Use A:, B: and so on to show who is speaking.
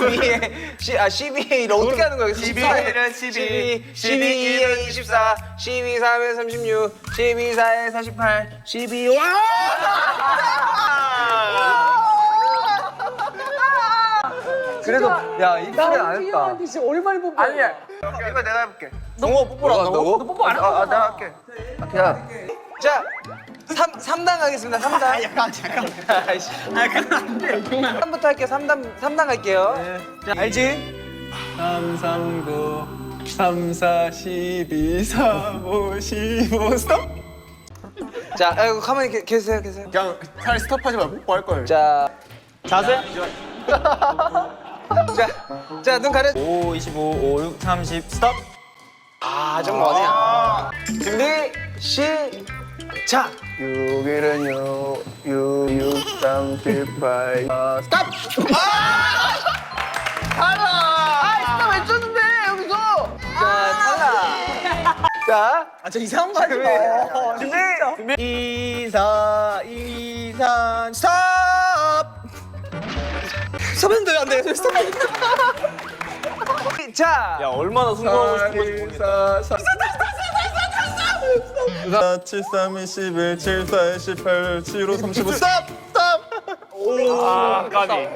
A: 12를 어떻게 하는 거야?
B: 12는
A: 12에 24, 12, 3에 36, 12, 4에 48, 12, 와! 그래도 야 이 소리 안 했다.
C: 형한테 진짜 오랜만에 본 거야.
B: 아니야. 이거 내가 해볼게.
A: 너 뽀뽀를 한다고?
C: 너 뽀뽀 안 하고.
B: 내가 할게.
A: 야. 자, 3단 가겠습니다. 3단. 잠깐만. 아이씨. 그럼 안 돼. 3단부터 할게요. 3단 갈게요. 자, 알지?
D: 3, 3, 9, 3, 4, 12, 4, 5, 15, 스톱!
A: 자, 아이고, 가만히 계세요.
D: 그냥 차라리 스톱하지 말고 뽀뽀할 걸.
A: 자,
D: 자세?
A: 자, 눈 가려.
D: 5, 25, 5, 6, 30, 스톱!
A: 아, 좀 머네요. 준비, 시작.
B: 6일은 6, 6, 3, 7, 8, 스탑!
A: 아, 외쳤는데 여기서. 자, 탈락. 자,
C: 저 이상한 거 하지 마.
A: 준비.
D: 2, 4, 2, 3, 스톱!
C: 서면도 안 돼. 스톱.
A: 자,
D: 야, 얼마나 순수하고 싶은 건지 모르겠다. 4, 7, 3, 21, 7, 4, 18, 7, 5, 35, 스톱! 스톱!
B: 아, 까비.